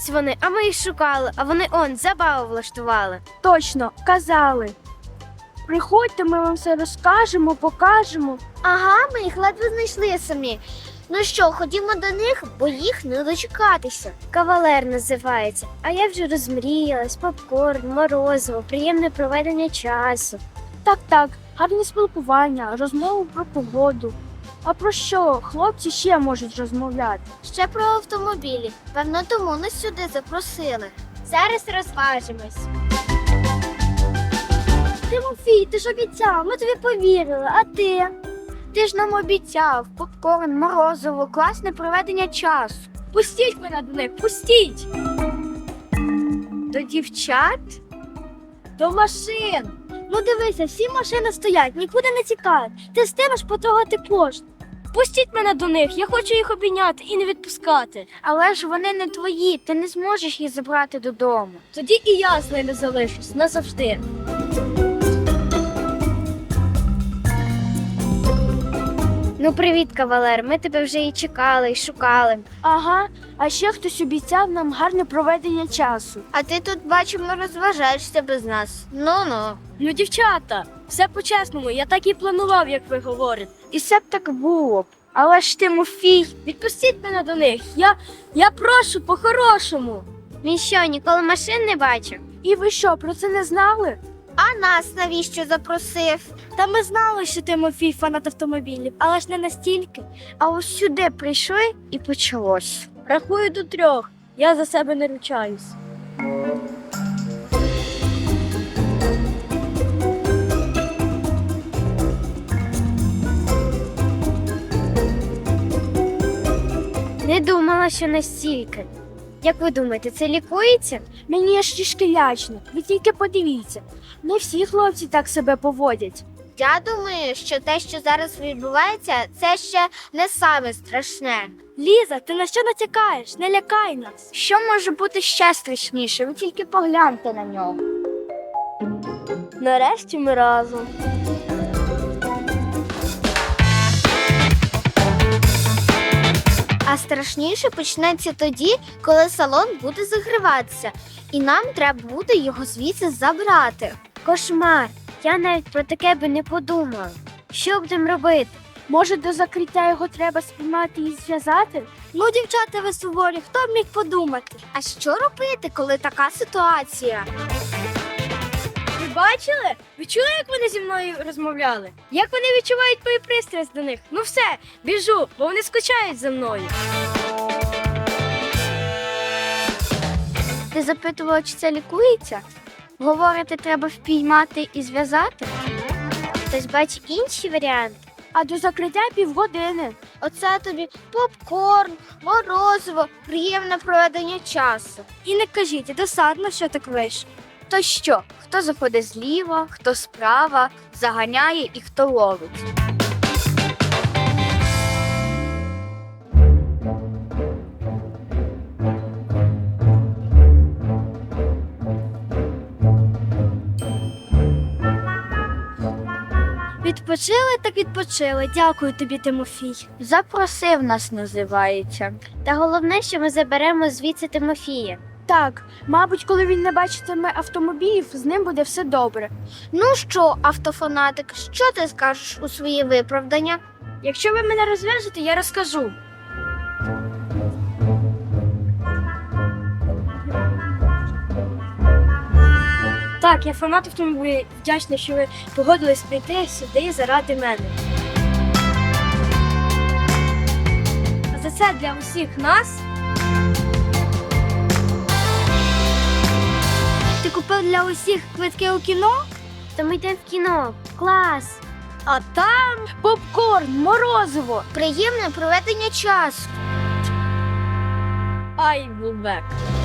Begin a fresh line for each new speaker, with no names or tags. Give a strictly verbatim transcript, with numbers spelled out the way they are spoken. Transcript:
Ось вони, а ми їх шукали, а вони он, забаву влаштували.
Точно, казали. Приходьте, ми вам все розкажемо, покажемо.
Ага, ми їх ледве знайшли самі. Ну що, ходімо до них, бо їх не дочекатися.
Кавалер називається. А я вже розмріялась, попкорн, морозиво, приємне проведення часу.
Так-так, гарне спілкування, розмови про погоду. А про що хлопці ще можуть розмовляти?
Ще про автомобілі. Певно, тому нас сюди запросили.
Зараз розважимось.
Тимофій, ти ж обіцяв, ми тобі повірили, а ти? Ти ж нам обіцяв попкорн, морозиво, класне проведення часу.
Пустіть мене до них, пустіть!
До дівчат?
До машин!
Ну дивися, всі машини стоять, нікуди не тікають. Ти встигнеш потрогати кожну.
Пустіть мене до них, я хочу їх обійняти і не відпускати.
Але ж вони не твої, ти не зможеш їх забрати додому.
Тоді і я з ними залишусь назавжди.
Ну привіт, кавалер, ми тебе вже і чекали, і шукали.
Ага, а ще хтось обіцяв нам гарне проведення часу.
А ти тут, бачимо, розважаєшся без нас. Ну-ну.
Ну, дівчата, все по-чесному, я так і планував, як ви говорите.
І все б так було б. Але ж Тимофій.
Відпустіть мене до них, я, я прошу по-хорошому.
Він що, ніколи машин не бачив?
І ви що, про це не знали?
А нас навіщо запросив?
Та ми знали, що Тимофій фанат автомобілів, але ж не настільки.
А ось сюди прийшли і почалось.
Рахую до трьох, я за себе не ручаюсь.
Не думала, що настільки. Як ви думаєте, це лікується?
Мені аж трішки лячно, ви тільки подивіться. Не всі хлопці так себе поводять.
Я думаю, що те, що зараз відбувається, це ще не саме страшне.
Ліза, ти на що натякаєш? Не лякай нас.
Що може бути ще страшніше? Ви тільки погляньте на нього.
Нарешті ми разом.
А страшніше почнеться тоді, коли салон буде загриватися, і нам треба буде його звідси забрати.
Кошмар! Я навіть про таке би не подумала. Що будемо робити?
Може, до закриття його треба спіймати і зв'язати?
Ну, дівчата, ви суворі, хто б міг подумати? А що робити, коли така ситуація?
Ви бачили? Ви чули, як вони зі мною розмовляли? Як вони відчувають мою пристрасть до них? Ну все, біжу, бо вони скучають за мною.
Ти запитувала, чи це лікується? Говорите, треба впіймати і зв'язати?
Хтось бачить інші варіанти?
А до закриття півгодини.
Оце тобі попкорн, морозиво, приємне проведення часу.
І не кажіть, досадно, що так вийшло.
То що? Хто заходить зліва, хто справа, заганяє і хто ловить.
Відпочили так відпочили. Дякую тобі, Тимофій.
Запросив нас, називається.
Та головне, що ми заберемо звідси Тимофія.
Так, мабуть, коли він не бачитиме автомобілів, з ним буде все добре.
Ну що, автофанатик, що ти скажеш у своє виправдання?
Якщо ви мене розв'яжете, я розкажу. Так, я фанат автомобілів, вдячна, що ви погодились прийти сюди заради мене. А за це для усіх нас
Ти купив для усіх квитки у кіно?
То ми йдемо в кіно. Клас!
а там попкорн, морозиво.
Приємне проведення часу.
I will back.